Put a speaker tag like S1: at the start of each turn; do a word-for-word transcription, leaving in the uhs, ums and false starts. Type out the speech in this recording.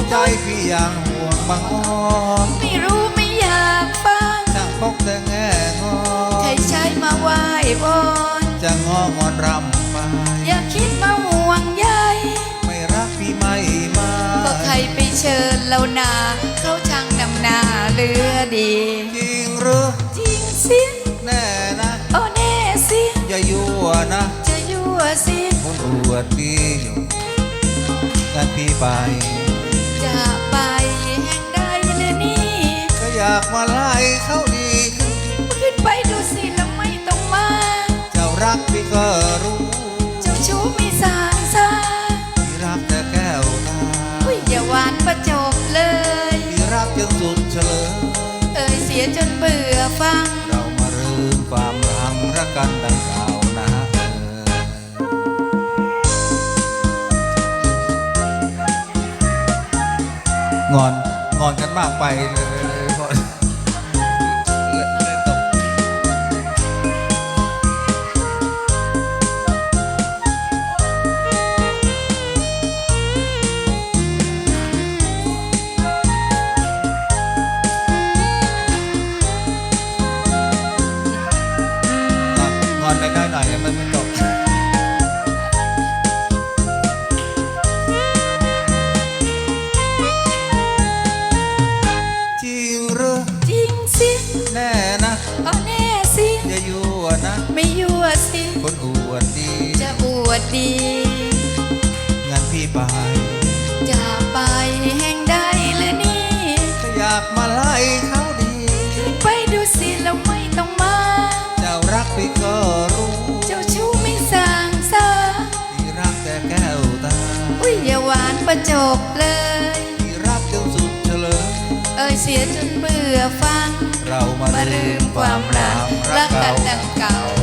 S1: ใจพี่ยังห่วงบางอ้อม
S2: ไม่รู้ไม่อยากฟัง
S1: ช่างพกแต่แง่งอ
S2: ใครใช้มาไหว้บน
S1: จะงองอนรำไป
S2: อย่าคิดมาห่วงใย
S1: ไม่รักพี่ไม่มา
S2: ก็ใครไปเชิญเรานาเขาช่างนำหน้าเลือดี
S1: จริงหรือ
S2: จริงสิ
S1: แน่นะ
S2: โอ้แน่สิ
S1: อย่ายั่วนะ
S2: จะยั่วสิ
S1: คนอวดดีงั้นพี่ไป
S2: จะไปแห่งใดเลยนี่
S1: ก็อยากมาไล่เขาดี
S2: ขึ้นไปดูสิแล้วไม่ต้องมา
S1: เจ้ารักพี่ก็รู้
S2: เจ้าชู้มีสางซา
S1: พี่รักแต่แก้วตา
S2: อุ้ยอย่าหวานประจบเลย
S1: พี่รักจนสุดเฉลย
S2: เอ่ยเสียจนเบื่อฟัง
S1: เรามาเริ่มความรักรักกันดังเก่านะงอนงอนกันมากไปเลยพอเลยตกงอนได้หน่อยมันไม่ตกแน่นะ
S2: อ๋อแน่สิ
S1: อย่ายั่วนะ
S2: ไม่ยั่วสิ
S1: คนอวดดี
S2: จะอวดดี
S1: งั้นพี่ไป
S2: จะไปแห่งใดหรือนี่
S1: ถ้าอยากมาไล่เขาดี
S2: ไปดูสิแล้วไม่ต้องมา
S1: เจ้ารักพี่ก็รู้
S2: เจ้าชู้ไม่สางซา
S1: พี่รักแต่แก้วตา
S2: อุ้ยอย่าหวานประจบเลย
S1: พี่รักจนสุดเฉลย
S2: เอ่ยเสียจนเบื่อฟัง
S1: เรามา
S2: ลืมความรักรักกันดังเก่า